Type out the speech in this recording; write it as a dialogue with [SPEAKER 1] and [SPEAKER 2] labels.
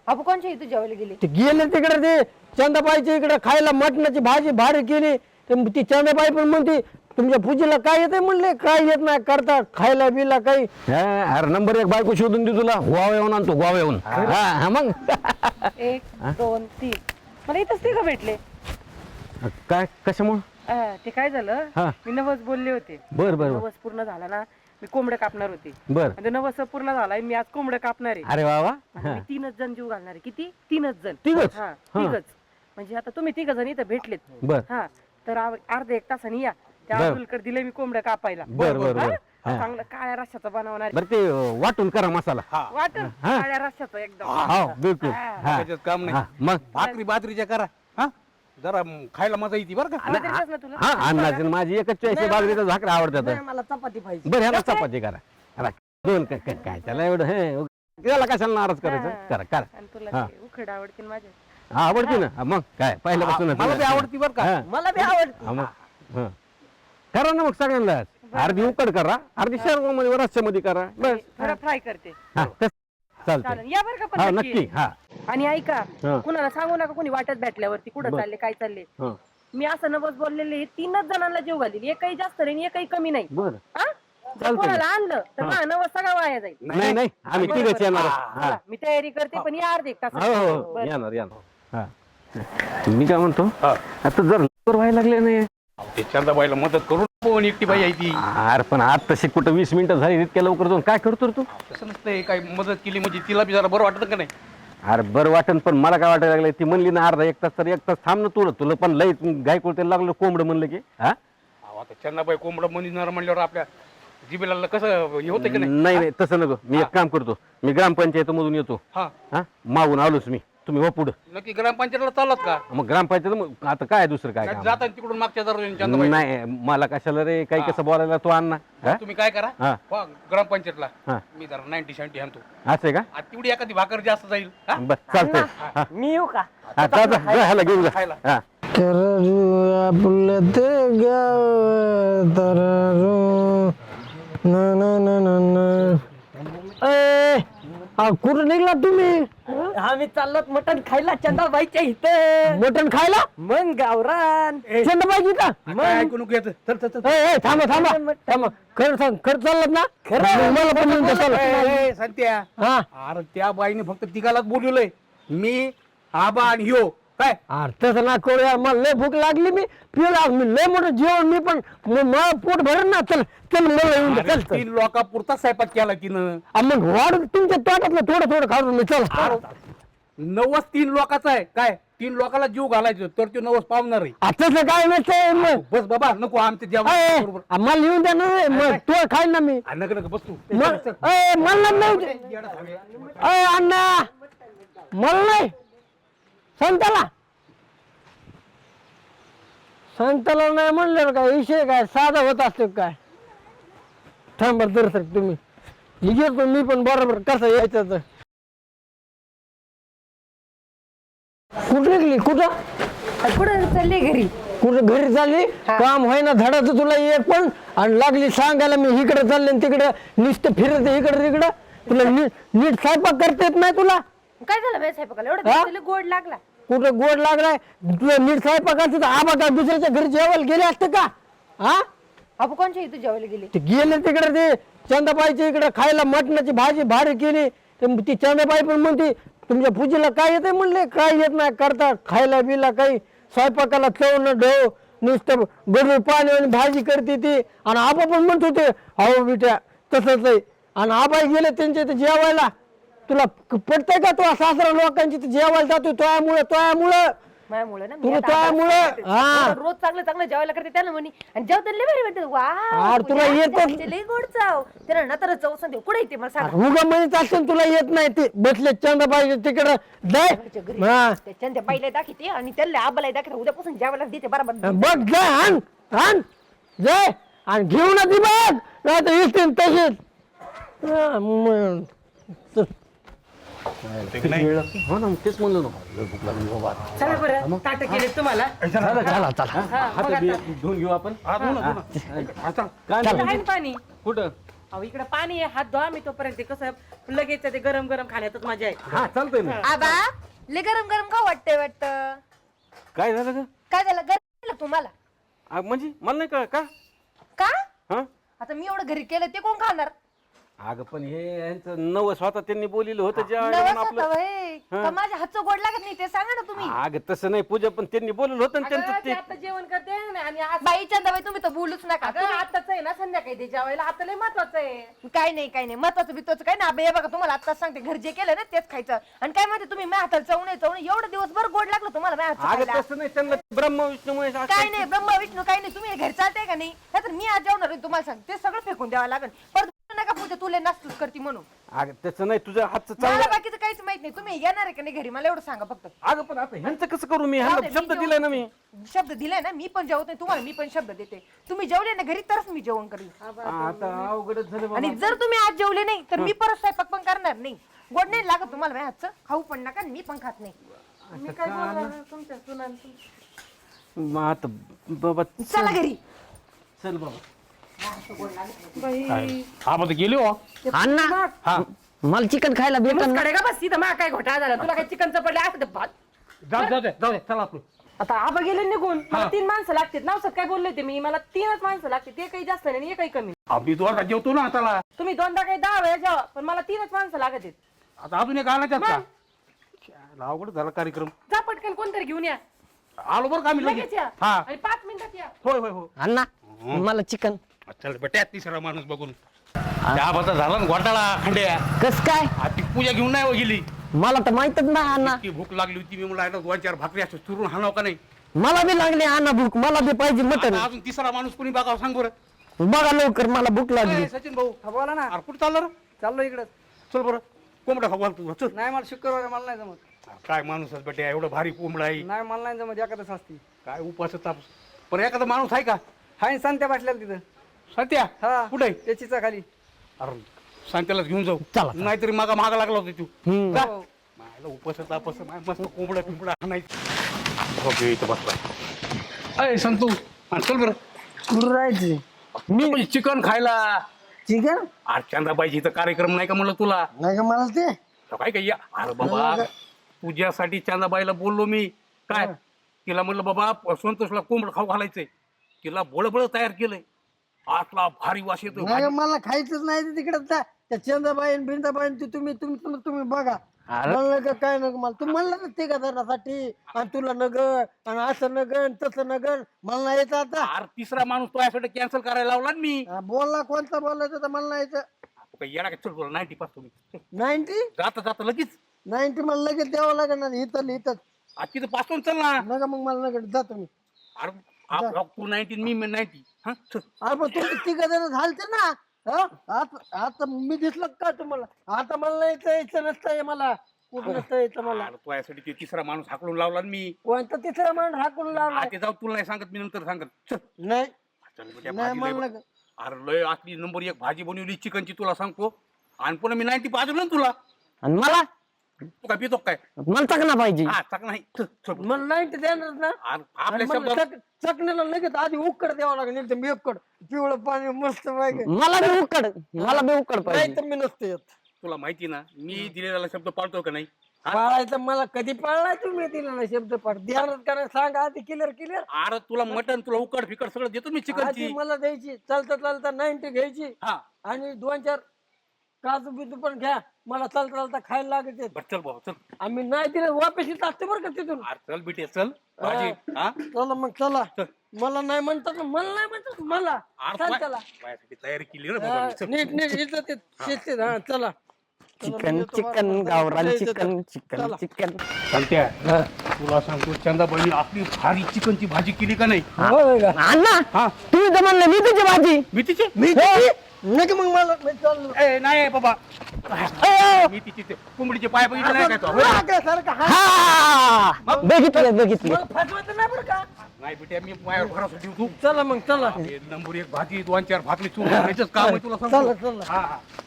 [SPEAKER 1] अबू कोणच्या इथे जेवायला गेले?
[SPEAKER 2] ते गेले तिकडे ते चंदाबाईच्या इकडे खायला मटणाची भाजी भारी केली. ती चंदाबाई पण म्हणते तुमच्या पूजेला काय येते म्हणले, काय येत नाही करता खायला बिला काही. अरे नंबर 1 बायको शोधून दे तुला, गोवा येऊन आणतो गोवा येऊन. मग
[SPEAKER 1] 1 2 3 मला इथंच ते का भेटले?
[SPEAKER 2] काय कशामुळे?
[SPEAKER 1] ते काय झालं, मी नवस बोलले होते.
[SPEAKER 2] बर बर
[SPEAKER 1] नवस पूर्ण झाला ना, मी कोंबडं कापणार होते.
[SPEAKER 2] बर.
[SPEAKER 1] म्हणजे नवस पूर्ण झालाय, मी आज कोंबडं कापणार आहे.
[SPEAKER 2] अरे वा वा.
[SPEAKER 1] मी 3च जण जीव घालणार आहे. किती? 3च जण.
[SPEAKER 2] तिघच?
[SPEAKER 1] हा 3च. म्हणजे आता तुम्ही 3 जण इथं भेटलेत.
[SPEAKER 2] बर.
[SPEAKER 1] हा तर अर्धा 1 तासाने या. त्या
[SPEAKER 2] बर.
[SPEAKER 1] अब्दुलकडे दिले मी कोंबडं कापायला.
[SPEAKER 2] बर बर बर.
[SPEAKER 1] चांगलं काळ्या रश्श्याचं बनवणार.
[SPEAKER 2] बर ते वाटून करा मसाला.
[SPEAKER 1] वाटण काळ्या रश्श्याचं एकदम.
[SPEAKER 2] हो बिलकुल.
[SPEAKER 3] त्याच्यात काम नाही.
[SPEAKER 2] मग
[SPEAKER 3] भाकरी बाजरीच्या करा हा, जरा खायला मजा येते बरं का.
[SPEAKER 1] आलं तरी कसं ना तुला?
[SPEAKER 2] हा अन्नाची माझी एकच चॉईस आहे, बाजरीचा भाकरी आवडतात.
[SPEAKER 1] नाही, मला चपाती पाहिजे.
[SPEAKER 2] बरं ह्याला चपाती करा. दोन काय त्याला एवढं हे त्याला कशाला नाराज करायचं. करा करा.
[SPEAKER 1] आणि तुला ते उखड आवडतील माझे.
[SPEAKER 2] हा आवडते ना. मग काय पहिल्यापासून
[SPEAKER 3] मला बी आवडती बरं का.
[SPEAKER 1] मला बी आवडते.
[SPEAKER 2] करा ना मग सगळ्यांना. अर्धी उकड करा, अर्धी शर्मामध्ये रस्स्यामध्ये करा. बस
[SPEAKER 1] थोडं फ्राय करते.
[SPEAKER 2] चालतंय.
[SPEAKER 1] चालेल, या बरं का
[SPEAKER 2] हा
[SPEAKER 1] पण
[SPEAKER 2] नक्की. हा
[SPEAKER 1] आणि ऐका,
[SPEAKER 2] हा.
[SPEAKER 1] कुणाला सांगू नका कोणी वाटत भेटल्यावरती कुठं चालले काय चालले.
[SPEAKER 2] हा.
[SPEAKER 1] मी असं नवस बोललेले 3च जणांना जीव घालील. एकही जास्त नाही एकही कमी नाही.
[SPEAKER 2] बरं.
[SPEAKER 1] हा? जर कोणाला आणलं तर माझा नवस सगळा वाया जाईल.
[SPEAKER 2] नाही नाही आम्ही तिघच येणार.
[SPEAKER 1] चला, मी तयारी करते पण या अर्धे 1 तास.
[SPEAKER 2] हो हो येणार येणार. हा मी काय म्हणतो, आता जर लवकर व्हायला लागले नाही.
[SPEAKER 3] ते चंदाबाईला मदत करून पण एकटी बाई आहे ती.
[SPEAKER 2] अरे पण आता तशी कुठं 20 मिनिटं झाली, इतक्या लवकर जाऊन काय करतो रे तू?
[SPEAKER 3] तसं नसतंय, काय मदत केली म्हणजे तिला बी जरा बरं वाटत का नाही.
[SPEAKER 2] अरे बरं वाटन, पण मला काय वाटायला लागलं, ती म्हणली ना अर्धा 1 तास, तर 1 तास थांब ना. तुला पण लई गाय कोळते लागलं कोंबडं म्हणलं की. हा
[SPEAKER 3] आता चंदाबाई कोंबडं म्हणणार म्हणल्यावर आपल्या जिबेला कसं हे होतं की नाही.
[SPEAKER 2] नाही नाही तसं नको. मी एक काम करतो, मी ग्रामपंचायत मधून येतो.
[SPEAKER 3] हा
[SPEAKER 2] हा मागून आलोच मी. तुम्ही हो पुढं.
[SPEAKER 3] नक्की ग्रामपंचायतला चालत का?
[SPEAKER 2] मग ग्रामपंचायत मग आता काय दुसरं काय काम?
[SPEAKER 3] जाता तिकडून मागच्या दरवाजाने चंदाबाई.
[SPEAKER 2] नाही मला कशाला रे, काही कसं बोलायला तो अण्णा.
[SPEAKER 3] तुम्ही काय करा
[SPEAKER 2] हा.
[SPEAKER 3] वा, ग्रामपंचायतला
[SPEAKER 2] हा.
[SPEAKER 3] मी जरा 90-70 आणतो.
[SPEAKER 2] असं आहे का?
[SPEAKER 3] आता तेवढी एखादी भाकर जास्त जाईल. हा?
[SPEAKER 2] बरं चालतंय.
[SPEAKER 1] मी येऊ का?
[SPEAKER 2] आता ह्याला घेऊन जा.
[SPEAKER 3] खायला.
[SPEAKER 2] हा आपलं ते गाव तररू ना ना ना ना ना. कुठं निघला तुम्ही?
[SPEAKER 1] आम्ही चाललो मटण खायला चंदाबाईच्या इथं.
[SPEAKER 2] मटण खायला?
[SPEAKER 1] मन गावरान.
[SPEAKER 2] चंदाबाईची का?
[SPEAKER 3] काय ऐकू नको येतं. चल चल चल.
[SPEAKER 2] थांबा थांबा थांबा. खरं सांग, खरं चाललं ना? मला पण येऊन द्या, चला.
[SPEAKER 3] ए, संत्या,
[SPEAKER 2] हा
[SPEAKER 3] अरे त्या बाईने फक्त तिघालाच बोलवलंय. मी आबा आणि ह्यो काय.
[SPEAKER 2] अरे तसं ना करूया, मला लय भूक लागली. मी पिला, मी लय मोठं जेवण मी पण मला पोट भरेल ना. चल चल मला येऊन द्या. चल चल.
[SPEAKER 3] 3 लोकापुरता स्वयंपाक केला तिनं.
[SPEAKER 2] मग वाढ तुमच्या तोटातलं थोडं थोडं खाऊन मी. चल
[SPEAKER 3] नवस 3 लोकाचा आहे काय. 3 लोकाला जीव घालायचं तर तो नवस पावणार आहे.
[SPEAKER 2] आताच काय नसतंय मग.
[SPEAKER 3] बस बाबा नको आमच्या जेवण बरोबर.
[SPEAKER 2] मला येऊन द्या ना. मग तू खाईल ना मी.
[SPEAKER 3] नका नका बस तू.
[SPEAKER 2] मला नाही अण्णा, मला नाही. संताला नाही म्हणलं काय विषय काय साधा होत असतो काय. थांबा तर सर तुम्ही घेतो मी पण बरोबर कसं यायचं. तर कुठं निघली?
[SPEAKER 1] कुठं चालले? घरी.
[SPEAKER 2] कुठं घरी चालली? काम होय ना धडाचं तुला एक पण. आणि लागली सांगायला मी इकडे चालले तिकडे नुसतं फिरत इकडे तिकडं. तुला नीट स्वयंपाक करता येत नाही तुला?
[SPEAKER 1] काय झालं बाई स्वयंपाकाला? एवढं गोड लागला.
[SPEAKER 2] कुठं गोड लागलाय तुला? नीट स्वयंपाक करते तर आबा काय दुसऱ्याच्या घरी जेवायला गेले असते का? हा
[SPEAKER 1] अबू कोणच्या इथे जेवायला गेले?
[SPEAKER 2] ते गेले तिकडे ते चंदाबाईच्या इकडे खायला मटणाची भाजी भारी केली. ती चंदाबाई पण म्हणते तुमच्या पूजेला काय येते म्हणले, काय येत नाही करता खायला बिला काही. स्वयंपाकाला चव न ढव नुसतं गडूळ पाणी आणि भाजी करते ती. आणि आबा पण म्हणत होते अहो बिट्या तसंच आहे. आणि आबा गेले त्यांच्या इथे जेवायला. तुला पटतंय का? तो सासरा लोकांची जेवायला जातो तोयामुळं
[SPEAKER 1] माझ्यामुळे ना.
[SPEAKER 2] तुला तोयामुळं. हा
[SPEAKER 1] रोज चांगलं चांगलं जेवायला करते त्याला म्हणे. आणि जेवताना लय भारी वाटत.
[SPEAKER 2] अरे तुला येतच
[SPEAKER 1] लय गोड चाव. त्याला ना तर चव सांगते कुठे येते मला सांग.
[SPEAKER 2] उगा म्हणत असेल तुला येत नाही. ते बसले चंदाबाई तिकडं जाय. हा
[SPEAKER 1] त्या बाईला दाखवते आणि त्याला आबाला दाखवते. उद्यापासून जेवायला देते बरोबर.
[SPEAKER 2] बघ जाय. आण जाय आणि घेऊ ना ती बघ. नाही तर येतील तसेच. हो ना तेच म्हणलं ना.
[SPEAKER 1] चला बरं ताट केले तुम्हाला.
[SPEAKER 2] चला चला घेऊन घेऊ आपण.
[SPEAKER 1] पाणी
[SPEAKER 2] कुठं?
[SPEAKER 1] अहो इकडे पाणी आहे, हात धुवा मी तोपर्यंत. ते कसं लगेच ते गरम गरम खाण्यातच मजा आहे.
[SPEAKER 3] हा चालतंय ना.
[SPEAKER 4] आबा लय गरम गरम का वाटतंय वाटतं?
[SPEAKER 3] काय झालं ग?
[SPEAKER 4] काय झालं गरम झालं तुम्हाला?
[SPEAKER 3] म्हणजे मला नाही का
[SPEAKER 4] का
[SPEAKER 3] हा
[SPEAKER 4] आता मी एवढं घरी केलं ते कोण खाणार?
[SPEAKER 3] अगं पण हे यांचं नवं स्वतः त्यांनी बोलिलं होतं ज्या
[SPEAKER 4] नवस
[SPEAKER 3] वेळेला
[SPEAKER 4] होता
[SPEAKER 3] आपलं
[SPEAKER 4] व्हय. का माझ्या हातचं गोड लागत नाही ते सांगा ना तुम्ही.
[SPEAKER 3] अगं तसं नाही पूजा, पण त्यांनी बोललं होतं ना
[SPEAKER 1] अगं,
[SPEAKER 3] त्यांचं
[SPEAKER 1] ते
[SPEAKER 3] ते
[SPEAKER 1] आता जेवण करते ना आणि आज
[SPEAKER 4] बाई चंदाबाई तुम्ही तर बोलूच नका.
[SPEAKER 1] अगं आताच आहे ना संध्याकाळी ते जेवायला, आता लय महत्वाचं आहे.
[SPEAKER 4] काय नाही महत्वाचं बित्वाचं काय ना. हे बघा तुम्हाला आताच सांगते घर जे केलं ना तेच खायचं. आणि काय माहिती तुम्ही माझ्या हाताला चवणे एवढं दिवसभर गोड लागलं तुम्हाला माझ्या हातचं
[SPEAKER 3] अगं
[SPEAKER 4] खायला.
[SPEAKER 3] तसं नाही, त्यांना ब्रह्म विष्णूमुळे असं
[SPEAKER 4] काय नाही ब्रह्मा विष्णू काय नाही. तुम्ही घर चालते का नाही? तर मी आज जेवणार आहे तुम्हाला सांग. ते सगळं फेकून द्यावं लागेल. परत नका पूजा तुला नास्तूच करते म्हणून.
[SPEAKER 3] अगं तसं नाही, तुझ्या हातचं
[SPEAKER 4] मला
[SPEAKER 3] चांगलं.
[SPEAKER 4] बाकीचं काहीच माहित नाही. तुम्ही येणार आहे का नाही घरी मला एवढं सांगा फक्त.
[SPEAKER 3] अगं पण आता ह्यांचं कसं करू मी?
[SPEAKER 4] जाऊ
[SPEAKER 3] ह्यांना
[SPEAKER 4] दे, मी
[SPEAKER 3] शब्द
[SPEAKER 4] जेवण-
[SPEAKER 3] दिलाय ना मी.
[SPEAKER 4] शब्द दिलाय ना मी पण जेवत नाही तुम्हाला. मी पण शब्द देते. तुम्ही जेवले ना घरी तरच मी जेवण करीन.
[SPEAKER 3] आता अवघडच झालं बाबा.
[SPEAKER 4] आणि जर तुम्ही आज जेवले नाही तर मी परत स्वयंपाक पण करणार नाही. गोड नाही लागत तुम्हाला माझ्या हातचं. खाऊ पण नका आणि मी पण खात नाही.
[SPEAKER 1] मी काय बोलणार तुमच्या सुनांचं.
[SPEAKER 3] मग आता बाबा
[SPEAKER 4] चला घरी.
[SPEAKER 3] चल बाबा.
[SPEAKER 1] बाई
[SPEAKER 3] हा मग गेलो
[SPEAKER 2] अण्णा
[SPEAKER 3] हा
[SPEAKER 2] मला चिकन खायला भेटन ना?
[SPEAKER 1] कडे का बस तिथं मा काय घोटाळा झाला. तुला काय चिकनचं पडले असं ते भात.
[SPEAKER 3] जाऊ दे चला आपलं.
[SPEAKER 1] आता आबा गेले निघून. मला 3 माणसं लागतात. नावसात काय बोलले होते मी? मला 3च माणसं लागते. ते काही जास्त नाही आणि काही कमी.
[SPEAKER 3] आम्ही दोघा जेवतो ना आता.
[SPEAKER 1] तुम्ही 2दा काही 10 वेळा जेवा, पण मला 3च माणसं लागत आहेत.
[SPEAKER 3] आता अजून एक आणायच्यात का? अवघड झाला कार्यक्रम.
[SPEAKER 1] जा पटकन कोणतरी घेऊन या.
[SPEAKER 3] आलो बरं का आम्ही
[SPEAKER 1] लगेच
[SPEAKER 3] लगेच.
[SPEAKER 1] या
[SPEAKER 3] हा
[SPEAKER 1] आणि 5 मिनिटात या.
[SPEAKER 3] होय होय हो.
[SPEAKER 2] अण्णा मला चिकन
[SPEAKER 3] चल बेटा तिसरा माणूस बघून त्या बता झाला ना घोटाळा खंड्या.
[SPEAKER 2] कस काय?
[SPEAKER 3] ती पूजा घेऊन नाही हो गेली.
[SPEAKER 2] मला तर माहितच नाही अण्णा.
[SPEAKER 3] ती भूक लागली होती. मी म्हणलं 2-4 भाकरी असं चुरून हाणाव का नाही.
[SPEAKER 2] मला बी लागली अण्णा भूक. मला बी पाहिजे मटन.
[SPEAKER 3] आता अजून तिसरा माणूस कोणी बघावं सांग बरं.
[SPEAKER 2] बघा लवकर मला भूक लागली.
[SPEAKER 3] ए, सचिन भाऊ
[SPEAKER 5] बोला ना.
[SPEAKER 3] अरे कुठं चाललं रे?
[SPEAKER 5] चाललो इकडे.
[SPEAKER 3] चल बरं कोंबडा खाऊ घाल तू चल.
[SPEAKER 5] नाही मला शुक्रवार मला नाही जमत.
[SPEAKER 3] काय माणूस आहे बेटा एवढं भारी कोंबडा आहे.
[SPEAKER 5] नाही मला नाही जमत. एखादं असती.
[SPEAKER 3] काय उपास ताप. पण एखादा माणूस आहे का?
[SPEAKER 5] हाय संत्या बसल्याला तिथं.
[SPEAKER 3] सत्या
[SPEAKER 5] हा
[SPEAKER 3] कुठे?
[SPEAKER 5] त्याचीचा खाली.
[SPEAKER 3] अरे सांगत्यालाच घेऊन जाऊ.
[SPEAKER 2] चला.
[SPEAKER 3] नाहीतरी मागा लागला होता तू.
[SPEAKER 2] हम्म.
[SPEAKER 3] जा.
[SPEAKER 5] हो.
[SPEAKER 3] मला उपास तापस मस्त कोंबडा पिंपडा आणायचं. ओके इथं बसला. अय संतू हा, चल बरं
[SPEAKER 2] कुठं राहायचे?
[SPEAKER 3] मी चिकन खायला.
[SPEAKER 2] चिकन
[SPEAKER 3] आज चंद्राबाईची इथं कार्यक्रम नाही का म्हणलं तुला?
[SPEAKER 2] नाही का मला ते?
[SPEAKER 3] तर काय काय अरे बाबा तुझ्यासाठी चंदाबाईला बोललो मी. काय तिला म्हणलं बाबा संतोषला कोंबड खाऊ घालायचंय. तिला बळबळ तयार केलंय. आतला भारी वास येतो.
[SPEAKER 2] नाही मला खायचंच नाही तिकडे. त्या चंदाबाई बिंदाबाई तुम्ही बघा. म्हणलं का काय नग मला. तू म्हणलं ना ते धरण्यासाठी आणि तुला नगर आणि असं नगर तसं नगर मला नाही यायचं आता.
[SPEAKER 3] अरे तिसरा माणूस तो यासाठी कॅन्सल करायला लावला ना मी.
[SPEAKER 2] बोलला कोणता बोलायचं तर मला नाही यायचं.
[SPEAKER 3] तू काय येणार का? चल तुला 90 पास तुम्ही
[SPEAKER 2] 90
[SPEAKER 3] जाता जाता लगेच
[SPEAKER 2] 90 मला लगेच द्यावं लागेल ना. इथं
[SPEAKER 3] आज तिथं पासून चल ना.
[SPEAKER 2] नका मग मला नका जातो मी.
[SPEAKER 3] अरे तू 19 मी 90. हा चल.
[SPEAKER 2] अरे पण तुम्ही तिघ जण झालते ना. आता मी दिसलं का तुम्हाला? आता मला नाही यायचं नसतंय. मला कुठं नसतं यायचं मला.
[SPEAKER 3] अरे तो यासाठी ते तिसरा माणूस हाकलून लावला ना मी.
[SPEAKER 2] कोणता तिसरा माणूस हाकून लावला?
[SPEAKER 3] ते जाऊ तुला नाही सांगत मी नंतर सांगत. चल
[SPEAKER 2] नाही
[SPEAKER 3] चल बेटा,
[SPEAKER 2] नाही
[SPEAKER 3] भाजी
[SPEAKER 2] मला
[SPEAKER 3] लय- अरे लय असली नंबर 1 भाजी बनवली चिकनची तुला सांगतो. आणि पुन्हा मी 90 पाजवलं ना तुला.
[SPEAKER 2] आणि मला
[SPEAKER 3] तू काय पितो काय?
[SPEAKER 2] मला चकना पाहिजे.
[SPEAKER 3] हा चाक नाही. चल, चल.
[SPEAKER 2] मला 90 देणार ना.
[SPEAKER 3] अरे आपल्या शब्दात
[SPEAKER 2] चकण्याला लगेच आधी उकड द्यावं लागेल. एकदम उकड पिवळं पाणी मस्त पाहिजे. मला बी उकड पाहिजे. नाही तर मी नसते येत.
[SPEAKER 3] तुला माहिती ना मी दिलेला शब्द पाळतो का नाही? हा?
[SPEAKER 2] पाळायचं मला कधी पाळलाय तुम्ही दिला शब्द पाठ ध्यानात करा. सांगा आधी क्लिअर.
[SPEAKER 3] अरे तुला मटन तुला उकड फिकड सगळं देतो मी चिकनची.
[SPEAKER 2] आधी मला द्यायची. चालता 90 घ्यायची
[SPEAKER 3] हा
[SPEAKER 2] आणि 2-4 काजू बिजू पण घ्या. मला चालता खायला लागत.
[SPEAKER 3] बर चल बाबा चल.
[SPEAKER 2] आम्ही नाही दिलं वापस येत असते बरं का तिथून.
[SPEAKER 3] अरे चल बेटे चल भाजी. हा
[SPEAKER 2] चला मग चला.
[SPEAKER 3] चल.
[SPEAKER 2] मला नाही म्हणतात मला
[SPEAKER 3] अरे
[SPEAKER 2] चल
[SPEAKER 3] तुला-
[SPEAKER 2] चला.
[SPEAKER 3] माझ्यासाठी तयारी केली रे बाबा मी. चल.
[SPEAKER 2] नीट इज्जत शिस्तीत. हा चला.
[SPEAKER 6] चिकन गावरान चिकन
[SPEAKER 3] सांगत्या तुला सांगतो चंदाबाई आपली भारी चिकनची भाजी केली का नाही?
[SPEAKER 2] अण्णा
[SPEAKER 3] हा
[SPEAKER 2] तुम्ही तर म्हणलं मी तुझी भाजी.
[SPEAKER 3] मी तिची
[SPEAKER 2] नाही मग मला मी चाललो.
[SPEAKER 3] ए नाही बाबा मी तिची कोंबडीचे पाय बघितले नाही का तो?
[SPEAKER 2] सारखं हा. बघितलं मला फसवायचं नाही बरं का.
[SPEAKER 3] नाही बेटा मी पायावर भरोसा ठेवू तू.
[SPEAKER 2] चला मग चला.
[SPEAKER 3] नंबर 1 भाजी 2-4 भाकरी चूर करायचंच काम आहे तुला सांगतो.
[SPEAKER 2] चला.
[SPEAKER 3] हा